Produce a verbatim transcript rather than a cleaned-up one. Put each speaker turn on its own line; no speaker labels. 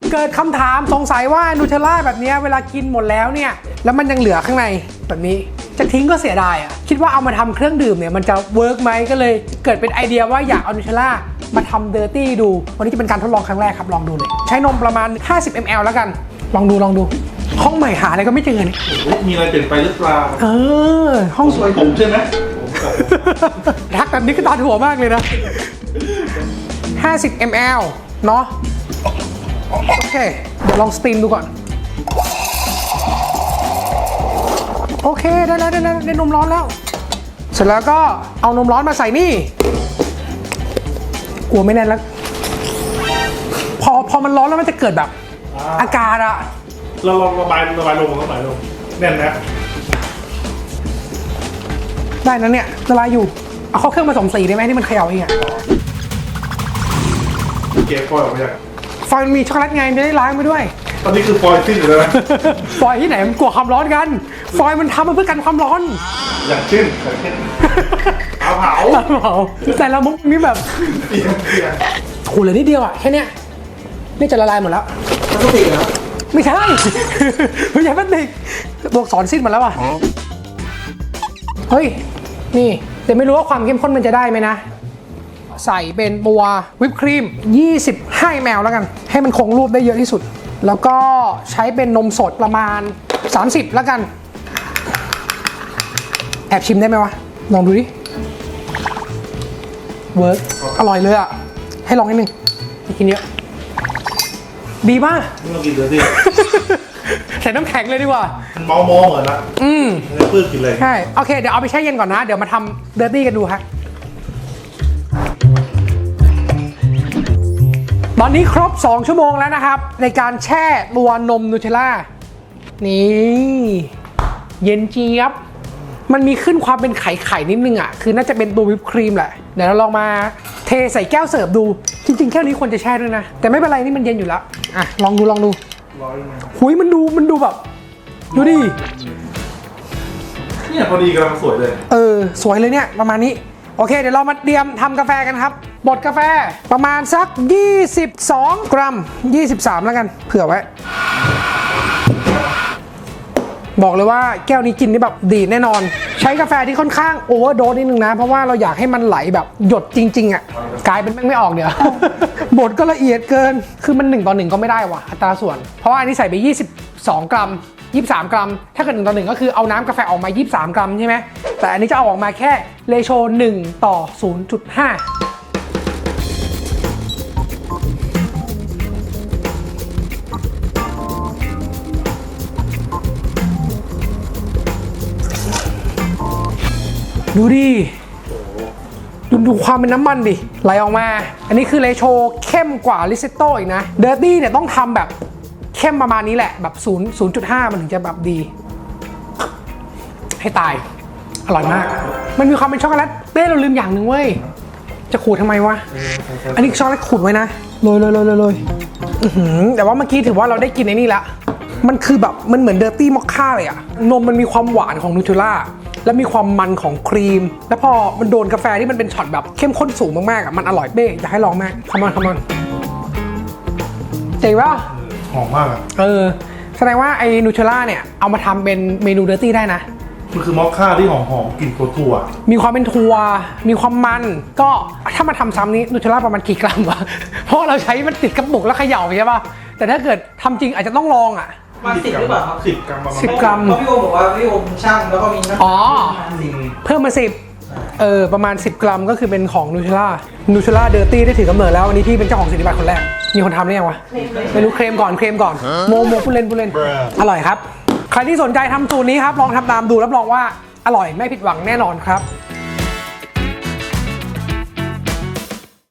เกิดคำถามสงสัยว่านูเทลล่าแบบนี้เวลากินหมดแล้วเนี่ยแล้วมันยังเหลือข้างในแบบนี้จะทิ้งก็เสียดายอ่ะคิดว่าเอามาทำเครื่องดื่มเนี่ยมันจะเวิร์กไหมก็เลยเกิดเป็นไอเดียว่าอยากเอานูเทลล่ามาทำเดอร์ตี้ดูวันนี้จะเป็นการทดลองครั้งแรกครับลองดูเลยใช้นมประมาณห้าสิบมิลลิลิตรแล้วกันลองดูลองดูห้องใหม่หาอะไรก็ไม่เจอเนี่ย
มีอะไรเปลี่ยนไปหรือเปล่า
เออห้องสวย
ผมใช่ไหม
ทักแบบนี้ก็ตาถั่วมากเลยนะห้าสิบมิลลิลิตรเนาะโอเคเดี๋ยวลองสตีมดูก่อนโอเคได้แล้วได้แล้วได้นมร้อนแล้วเสร็จแล้วก็เอานมร้อนมาใส่นี่กลัวไม่แน่นแล้วพอพอมันร้อนแล้วมันจะเกิดแบบอากาศอะ
เราลองระบายระบายลงระบายลงแน่นนะ
ได้นะเนี่ยละลายอยู่เอาเข้าเครื่องผสมสีได้ไหมที่มันเขย่าเองอะ
เก็บฟอยล์ออกมาจาก
ฟอยล์มันมีช็อกโกแลตไงไม่ได้ล้างไปด้วย
ตอนนี้คือฟอยล์สิ้นอยู่แล้วนะ
ฟอยล์ที่ไหนมันกลัวความร้อนกันฟอยล์มันทำมาเพื่อกันความร้อน
อย่างเช่นอย่างเช่นเอาเผา
เผาแต่ละมุกมีแบบ
เปลี่ยนเปลี่ยน
ขูดเลยนิดเดียวอะแค่เนี้ยนี่จะละลายหมดแล้ว
พลาสติกเหรอ
ไม่ใช่ไม่ใช่พลาสติกตัวอักษรสิ้นหมดแล้วอ่ะเฮ้ยนี่แต่ไม่รู้ว่าความเข้มข้นมันจะได้ไหมนะใส่เป็นตัววิปครีมยี่สิบห้ามิลลิลิตรแล้วกันให้มันคงรูปได้เยอะที่สุดแล้วก็ใช้เป็นนมสดประมาณสามสิบแล้วกันแอบชิมได้ไหมวะลองดูดิเวิร์กอร่อยเลยอ่ะให้ลองนิดนึงกินเยอะดีมาก
ไม่ต้องกินเลยสิ
ใส่น้ำแข็งเลยดีกว่า
เมาโม่เหมือนละ
อืม
ไม่เพิ่งกินเลย
ใช่โอเคเดี๋ยวเอาไปแช่เย็นก่อนนะเดี๋ยวมาทำเดอร์ตี้กันดูฮะตอนนี้ครบสองชั่วโมงแล้วนะครับในการแช่ตัวนมนูเทลล่านี่เย็นเจี๊ยบมันมีขึ้นความเป็นไข่ไข่นิดนึงอ่ะคือน่าจะเป็นตัววิปครีมแหละเดี๋ยวเราลองมาเทใส่แก้วเสิร์ฟดูจริงๆแก้วนี้ควรจะแช่ด้วยนะแต่ไม่เป็นไรนี่มันเย็นอยู่แล้วอ่ะลองดูลองดูหุยมันดูมันดูแบบดูดิ
เนี่ยพอดีกำลังสวยเลย
เออสวยเลยเนี่ยประมาณนี้โอเคเดี๋ยวเรามาเตรียมทำกาแฟกันครับบดกาแฟประมาณสักยี่สิบสองกรัมยี่สิบสามแล้วกันเผื่อไว้บอกเลยว่าแก้วนี้กินได้แบบดีแน่นอนใช้กาแฟที่ค่อนข้างโอเวอร์โดสนิดนึงนะเพราะว่าเราอยากให้มันไหลแบบหยดจริงๆอ่ะกลายเป็นแม่งไม่ออกเดี๋ยวบดก็ละเอียดเกินคือมันหนึ่งต่อหนึ่งก็ไม่ได้ว่ะอัตราส่วนเพราะว่าอันนี้ใส่ไปยี่สิบสองกรัมยี่สิบสามกรัมถ้าเกิดหนึ่งต่อหนึ่งก็คือเอาน้ำกาแฟออกมายี่สิบสามกรัมใช่ไหมแต่อันนี้จะเอาออกมาแค่เรโชหนึ่งต่อ ศูนย์จุดห้าดูดิดูดูความเป็นน้ำมันดิไหลออกมาอันนี้คือเรโชเข้มกว่าริเซตโต้อีกนะเดอร์ตี้เนี่ยต้องทำแบบเข้มประมาณนี้แหละแบบศูนย์ ศูนย์จุดห้ามันถึงจะแบบดีให้ตายอร่อยมากมันมีความเป็นช็อกโกแลตเต้เราลืมอย่างหนึ่งเว้ยจะขูดทำไมวะอันนี้ช็อกโกแลตขูดไว้นะโรยโรยโรยโรยแต่ว่าเมื่อกี้ถือว่าเราได้กินไอ้นี่ละมันคือแบบมันเหมือนเดอร์ตี้มอคค่าเลยอะนมมันมีความหวานของนูเทลล่าแล้วมีความมันของครีมแล้วพอมันโดนกาแฟที่มันเป็นช็อตแบบเข้มข้นสูงมากๆอ่ะมันอร่อยเบ้อยากให้ลองมากคัมอนคัมอนเจ๋งป่ะ
หอมมากอ่ะ
เออแสดงว่าไอ้นูเทลล่าเนี่ยเอามาทำเป็นเมนูเดอร์ตี้ได้นะ
มันคือมอคค่าที่หอมๆกลิ่นถั่ว
มีความเป็นถั่วมีความมันก็ถ้ามาทำซ้ำนี้นูเทลล่าประมาณกี่กรัมวะเพราะเราใช้มันติดกระปุกแล้วเขย่าใช่ป่ะแต่ถ้าเกิดทำจริงอาจจะต้องลองอ่ะ
มาสิบหรือเปล่าครับ
สิบกรัม
สิบกรัม
เพราะพี่โอบอกว่าพี่โอช่างแล้วก็มีน้ำ
อ๋อเพิ่มมาสิบเออประมาณสิบกรัมก็คือเป็นของนูเทลล่านูเทลล่าเดอร์ตี้ได้ถือกำเนิดแล้ววันนี้พี่เป็นเจ้าของสิทธิบัตรคนแรกมีคนทำหรือยังวะไม่รู้เคลมก่อนเคลมก่อนโมโมพูดเล่นพูดเล่นอร่อยครับใครที่สนใจทำสูตรนี้ครับลองทำตามดูรับรองว่าอร่อยไม่ผิดหวังแน่นอนครับ